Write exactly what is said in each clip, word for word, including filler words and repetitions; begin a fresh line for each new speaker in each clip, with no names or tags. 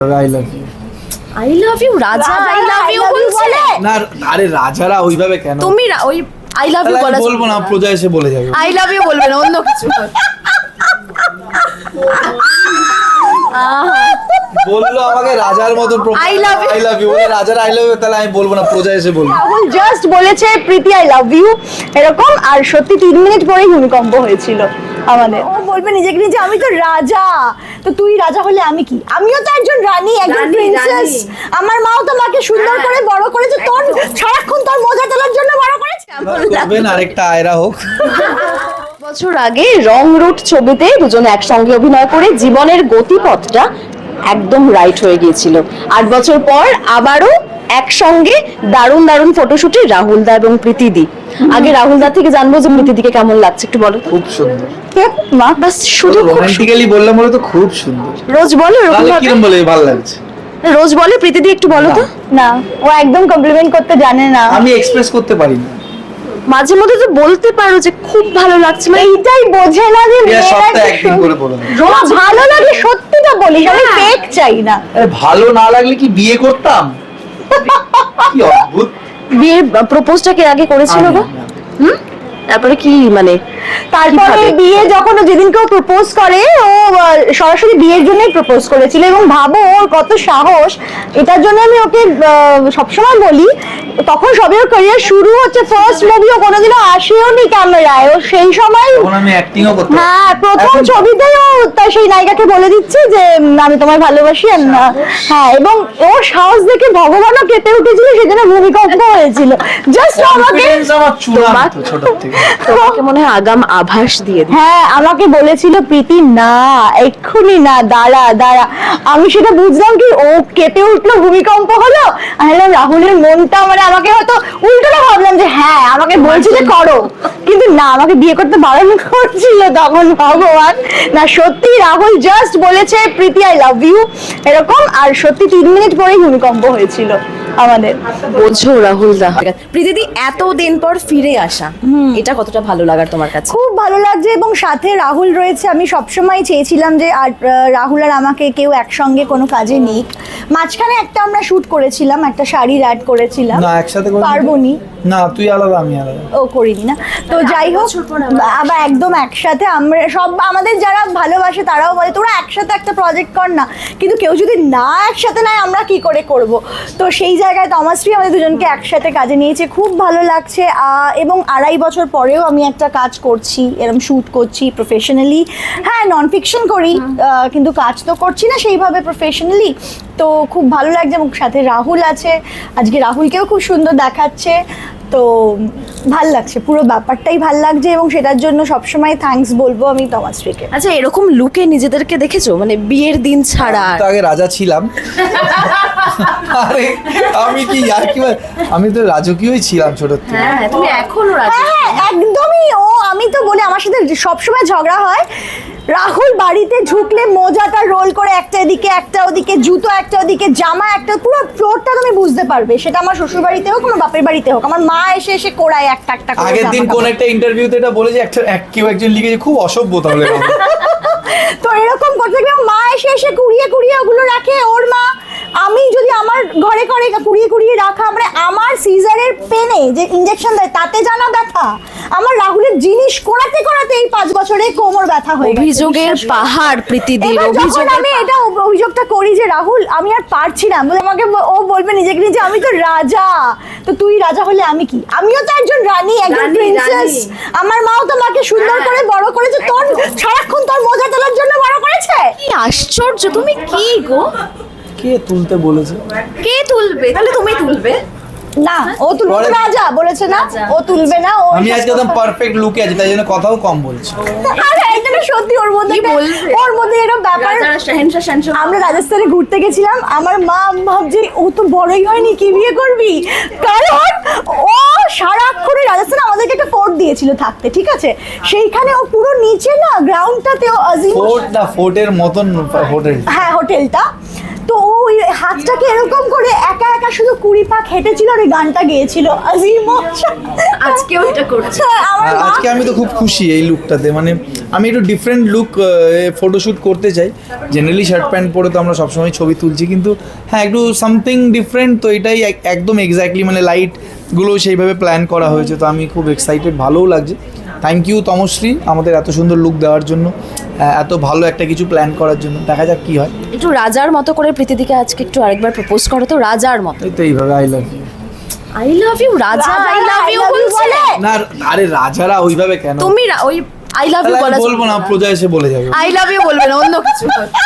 I love you
I love you Raja I love you বলছিলে
না আরে রাজারা ওইভাবে কেন
তুমি ওই আই লাভ ইউ বলা
বলবো না প্রজা এসে বলে যাবে
আই লাভ ইউ বলবে না অন্য কিছু
বললো আমাকে রাজার মতো
I love you.
I love you বলে রাজারা আই লাভ ইউ তাহলে আমি বলবো না প্রজা এসে বলবো
রাহুল জাস্ট বলেছে প্রীতি আই লাভ ইউ এরকম, আর সত্যি তিন মিনিট পরেই ভূমিকম্প হয়েছিল আমাদের। ও বলবে নিজেকে নিজে আমি তো রাজা, তো তুই রাজা হলে আমি কি? আমিও তো একজন রানী, একজন
রানী,
প্রিন্সেস।
রানী।
আমার মাও তো মাকে সুন্দর করে বড় করেছে, তোর সারাক্ষণ তোর মজা তোলার জন্য বড় করেছে।
করবেন আরেকটা আয়রা হোক।
বছর আগে রং রুট ছবিতে দুজনে একসঙ্গে অভিনয় করে জীবনের গতিপথটা একদম রাইট হয়ে গিয়েছিল। আট বছর পর আবারও একসঙ্গে দারুণ দারুণ ফটোশুটে রাহুল দা এবং প্রীতি দি। আগে রাহুল দা থেকে জানবো যে প্রীতি দিকে কেমন লাগছে একটু বলো।
খুব সুন্দর।
মা বাস শুধু
রোমান্টিক্যালি বললাম বলে তো খুব সুন্দর।
রোজ বলো এরকম
তাহলে
ভাবে?
কিরম বলে ভালো লাগছে?
রোজ বলে প্রীতি দি একটু বলো তো। না ও একদম কমপ্লিমেন্ট করতে জানে না।
আমি এক্সপ্রেস করতে পারি না।
মাঝে মধ্যে তো বলতে পারো যে খুব ভালো লাগছে, মানে এইটাই বোঝে না যে
প্রিয়া সপ্তাহে একদিন করে বলে দেয়।
রোজ ভালো লাগে সত্যিটা বলিস, আমি ফেক চাই না।
আরে ভালো না লাগলে কি বিয়ে করতাম? কি অদ্ভুত।
বিয়ের প্রপোজটা কে আগে করেছিল গো?
আমি-
হুম তারপরে কি মানে তারপরে বিয়ে যখন ও যেদিনকে ও প্রপোজ করে ও আহ, সরাসরি বিয়ের জন্যই প্রপোজ করেছিল, এবং ভাবো ওর কত সাহস। এটার জন্য আমি ওকে আহ, সবসময় বলি, তখন সবে ওর ক্যারিয়ার শুরু হচ্ছে, ফার্স্ট মুভি ও কোনোদিনও আসেও নি ক্যামেরায়, ও সেই সময়
তখন আমি অ্যাক্টিংও করতে
হ্যাঁ প্রথম
এখন-
ছবিতেই ও তার সেই নায়িকাকে বলে দিচ্ছে যে উম, আমি তোমায় ভালোবাসি। আর না হ্যাঁ, এবং ওর সাহস দেখে ভগবানও কেঁপে উঠেছিল, সেজন্য ভূমিকম্প হয়েছিল। জাস্ট আমাকে
কনফিডেন্স আমার চূড়ান্ত ছোট থেকে।
তোমাকে মনে হয় আগাম আভাস দিয়ে দিই। হ্যাঁ আমাকে বলেছিল প্রীতি না এক্ষুনি না, দাঁড়া দাঁড়া। আমি সেটা বুঝলাম কি ও কেঁপে উঠলো, ভূমিকম্প হলো। আমি বললাম রাহুলের মনটা মানে আমাকে হয়তো উল্টোটা ভাবলাম যে হ্যাঁ আমাকে বলছে যে করো, কিন্তু না আমাকে বিয়ে করতে বারণ করছিল তখন ভগবান। না সত্যি রাহুল জাস্ট বলেছে প্রীতি আই লাভ ইউ এরকম, আর সত্যি তিন মিনিট পরেই ভূমিকম্প হয়েছিল আমাদের।
বোঝো রাহুল দা প্রীতিদি এতদিন পর ফিরে আসা, এটা কতটা ভালো লাগার তোমার কাছে?
খুব ভালো লাগছে, এবং সাথে রাহুল রয়েছে। আমি সবসময় চেয়েছিলাম যে আর আহ, রাহুল আর আমাকে কেউ একসঙ্গে কোনো কাজে নিক। মাঝখানে একটা আমরা শুট করেছিলাম, একটা শাড়ির অ্যাড করেছিলাম।
না একসাথে করে
পারবো নি।
না তুই আলাদা আমি আলাদা।
ও করিনি না তো যাই হোক, আবার একদম একসাথে আমরা সব আমাদের যারা ভালোবাসে তারাও বলে তোরা একসাথে একটা প্রজেক্ট কর না, কিন্তু কেউ যদি না একসাথে নেয় আমরা কি করে করব। তো সেই জায়গায় তমাশ্রী আমাদের দুজনকে একসাথে কাজে নিয়েছে, খুব ভালো লাগছে। আহ, এবং আড়াই বছর পরেও আমি একটা কাজ করছি, এরকম শ্যুট করছি প্রফেশনালি। হ্যাঁ নন ফিকশন করি, আহ, কিন্তু কাজ তো করছি না সেইভাবে প্রফেশনালি। তো খুব ভালো লাগছে, এবং সাথে রাহুল আছে, আজকে রাহুলকেও খুব সুন্দর দেখাচ্ছে। তো ভাল লাগছে, পুরো ব্যাপারটাই ভাল লাগছে, এবং সেটার জন্য সবসময় থ্যাঙ্কস বলবো আমি তমাশ্রীকে।
আচ্ছা এরকম লুকে নিজেদেরকে দেখেছো মানে বিয়ের দিন ছাড়া?
তো আগে রাজা ছিলাম। আরে আমি কি আর কি বল- আমি তো রাজকীয়ই ছিলাম ছোট থেকে।
হ্যাঁ তুমি এখনো রাজি?
হ্যাঁ একদমই। ও আমি তো বলি আমার সাথে সবসময় ঝগড়া হয়। রাহুল বাড়িতে ঢুকলে মোজাটা রোল করে একটা এদিকে একটা ওদিকে, জুতো একটা ওদিকে, জামা একটা, পুরো ফ্লোরটা তুমি বুঝতে পারবে। সেটা আমার শ্বশুর বাড়িতে হোক, আমার বাপের বাড়িতে হোক, আমার মা এসে এসে কোড়ায় একটা একটা করে
আগের
জামা
দিন
কাপড়।
কোন একটা ইন্টারভিউতে এটা বলে যে একটা এক- কেউ একজন লিখেছে খুব অসভ্য তাহলে রাহুল।
তো এরকম করতে গেলে মা এসে এসে কুড়িয়ে কুড়িয়ে ওগুলো রাখে ওর মা। আমি যদি আমার ঘরে ঘরে কুড়িয়ে কুড়িয়ে রাখা, মানে আমার সিজারের পেনে যে ইনজেকশন দেয় তাতে জানা ব্যথা, আমার রাহুলের জিনিস কোড়াতে কোড়াতে এই পাঁচ বছরে কোমর ব্যথা হয়ে গেছে।
অভিযোগের পাহাড় প্রীতিদির,
এবার যখন
অভিযোগের
আমি এটা অভ- অভিযোগটা করি যে রাহুল আমি আর পারছি না, বলে আমাকে ব- ও বলবে নিজেকে নিজে আমি তো রাজা, তো তুই রাজা হলে আমি কি? আমিও তো একজন রানী, একজন
রানী,
প্রিন্সেস।
রানী।
আমার মাও তো মাকে সুন্দর করে বড় করেছে, তোর সারাক্ষণ তোর মজা তোলার জন্য বড় করেছে।
কি আশ্চর্য, তুমি কি গো?
কে তুলতে বলেছে?
কে তুলবে? তাহলে তুমি তুলবে
না ও তুলবে
পরে-
রাজা বলেছে না,
রাজা।
ও তুলবে না। ও
আমি আজকে একদম পারফেক্ট লুকে আছি তাই জন্য কথাও কম বলছি।
আরে এটা না সত্যি ওর মধ্যে
কি
একটা-
বলবে?
ওর মধ্যে এরকম ব্যাপার।
রাজা শাহেনশাহ শানশো
আমরা রাজস্থানে ঘুরতে গেছিলাম, আমার মা ভাবছে ও তো বড়ই হয়নি কি বিয়ে করবি, কারণ ও সারাক্ষণে রাজস্থানে আমাদেরকে একটা ফোর্ট দিয়েছিল থাকতে, ঠিক আছে, সেইখানে ও পুরো নিচে না গ্রাউন্ডটাতে ও আজিম
ফোর্ট না ফোর্টের মতন হোটেল।
হ্যাঁ হোটেলটা, তো ও ওই হাতটাকে এরকম করে একা একা শুধু কুড়ি পাক হেঁটেছিল আর ওই গানটা গেয়েছিল আজিম
আজকেও এটা করছে।
আমার
আর
মা
আজকে আমি তো খুব খুশি এই লুকটাতে, মানে আমি একটু ডিফারেন্ট লুক ফটোশ্যুট করতে চাই। জেনারেলি শার্ট প্যান্ট পরে তো আমরা সবসময় ছবি তুলছি, কিন্তু হ্যাঁ একটু সামথিং ডিফারেন্ট, তো এটাই এক- একদম এক্স্যাক্টলি মানে লাইটগুলো সেইভাবে প্ল্যান করা হয়েছে, তো আমি খুব এক্সাইটেড, ভালোও লাগছে। থ্যাংক ইউ তমশ্রী আমাদের এত সুন্দর লুক দেওয়ার জন্য, আহ, এত ভালো একটা কিছু প্ল্যান করার জন্য। দেখা যাক কি হয়।
একটু রাজার মতো করে প্রীতিদিকে আজকে একটু আরেকবার প্রপোজ করো তো, রাজার মতো।
এই তো এইভাবে I love you.
I love you Raja, I love you বলছে।
না আরে রাজারা ওইভাবে কেন?
তুমি রা- ওই আই লাভ ইউ
তাহলে
বলা
আমি বলবো না, প্রজা এসে বলে যাবে।
আই লাভ ইউ বলবে না, অন্য কিছু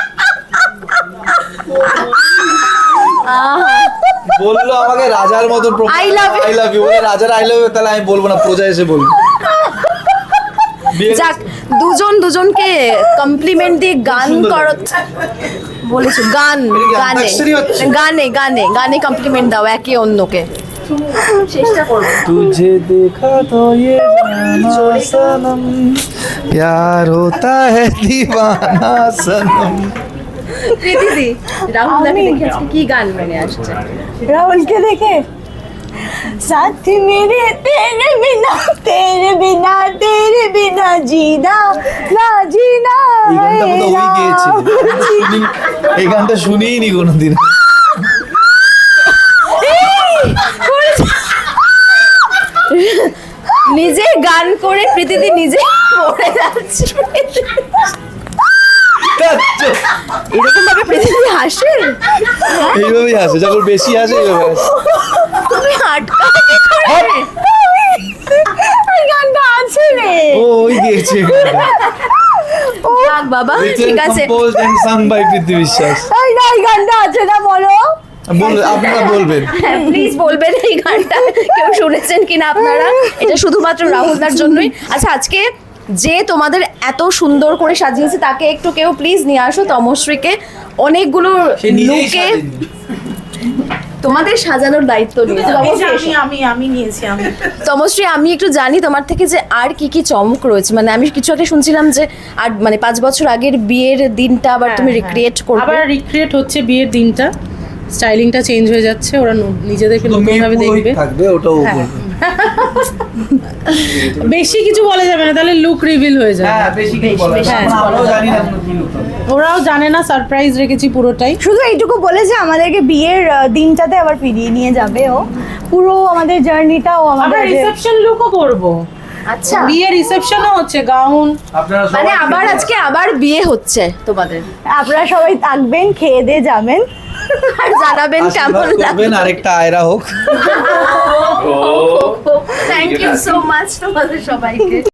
বললো আমাকে রাজার মতো
I love you.
I love you বলে, রাজার আই লাভ ইউ, তাহলে আমি বলবো না, প্রজা এসে বলবো। বিয়ে-
যাক, দুজন দুজনকে কমপ্লিমেন্ট দিয়ে গান
সুন্দর
করো বলেছো, গান
এটা কি
গানে
অন্তাক্ষরী হচ্ছে?
গানে গানে গানে কমপ্লিমেন্ট দাও একে অন্যকে। চেষ্টা করবো।
तुझे देखा तो ये जाना सनम प्यार होता है दीवाना सनम।
প্রীতিদি রাহুলদাকে দেখে আজকে কি গান মনে আসছে?
রাহুলকে দেখে साथ मेरे तेरे बिना तेरे बिना तेरे बिना जीना ना जीना
এই গানটা
है
বোধহয় ওই গেয়েছে।
राम।
শুনি- এই গানটা শুনিই নি কোনোদিন।
নিজে গান করে প্রীতিদি নিজে পড়ে যাচ্ছে। এরকম ভাবে প্রীতিদি হাসে?
এইভাবেই আসে, যখন বেশি আসে এইভাবে আসে।
তুমি আটকাও কি করে?
ওই গানটা আছে রে
ও ওই গেয়েছে গানটা।
যাক বাবা,
Written,
ঠিক আছে।
composed and sung by প্রীতি বিশ্বাস।
এই না এই গানটা আছে না বলো
বল, আপনারা বলবেন।
প্লিজ বলবেন এই গানটা কেউ শুনেছেন কিনা আপনারা? এটা শুধুমাত্র রাহুলদার জন্যই। আচ্ছা, আজকে যে তোমাদের এত সুন্দর করে সাজিয়েছে তাকে একটু কেউ প্লিজ নিয়ে আসো, তমশ্রীকে। অনেকগুলো
সে নিজেই
লুকে
সাজেনি।
তোমাদের সাজানোর দায়িত্ব নিয়েছে। তমশ্রী,
আমি আমি আমি নিয়েছি আমি
তমশ্রী, আমি একটু জানি তোমার থেকে যে আর কি কি চমক রয়েছে। মানে আমি কিছু একটা শুনছিলাম যে আর মানে পাঁচ বছর আগের বিয়ের দিনটা আবার তুমি রিক্রিয়েট করবে।
আবার রিক্রিয়েট হচ্ছে বিয়ের দিনটা, স্টাইলিংটা চেঞ্জ হয়ে যাচ্ছে, ওরা ন- নিজেদেরকে
তো মেয়ে
নতুন ভাবে
পুরোহিত
দেখবে।
থাকবে, ওটাও
হ্যাঁ।
বলবে।
বেশি কিছু বলা যাবে না, তাহলে লুক রিভিল হয়ে যাবে।
হ্যাঁ, বেশি কিছু বলা যাবে না।
হ্যাঁ,
আমরাও জানি না কোনো কি look হবে।
ওরাও জানে না, সারপ্রাইজ রেখেছি পুরোটাই।
শুধু এইটুকু বলেছে আমাদেরকে বিয়ের আহ, দিনটাতে আবার ফিরিয়ে নিয়ে যাবে ও পুরো আমাদের জার্নিটাও
আমরা
আমাদের
রিসেপশন লুকও করব।
আচ্ছা,
বিয়ের রিসেপশনও হচ্ছে, গাউন।
আপনারা সবাই
মানে আবার আজকে আবার বিয়ে হচ্ছে তোমাদের,
আপনারা সবাই থাকবেন, খেয়ে দিয়ে যাবেন।
আর জানাবেন কেমন
আশীর্বাদ করবেন,
লাগবে।
আরেকটা আয়রা হোক।
থ্যাংক ইউ সো মাচ তোমাদের সবাইকে।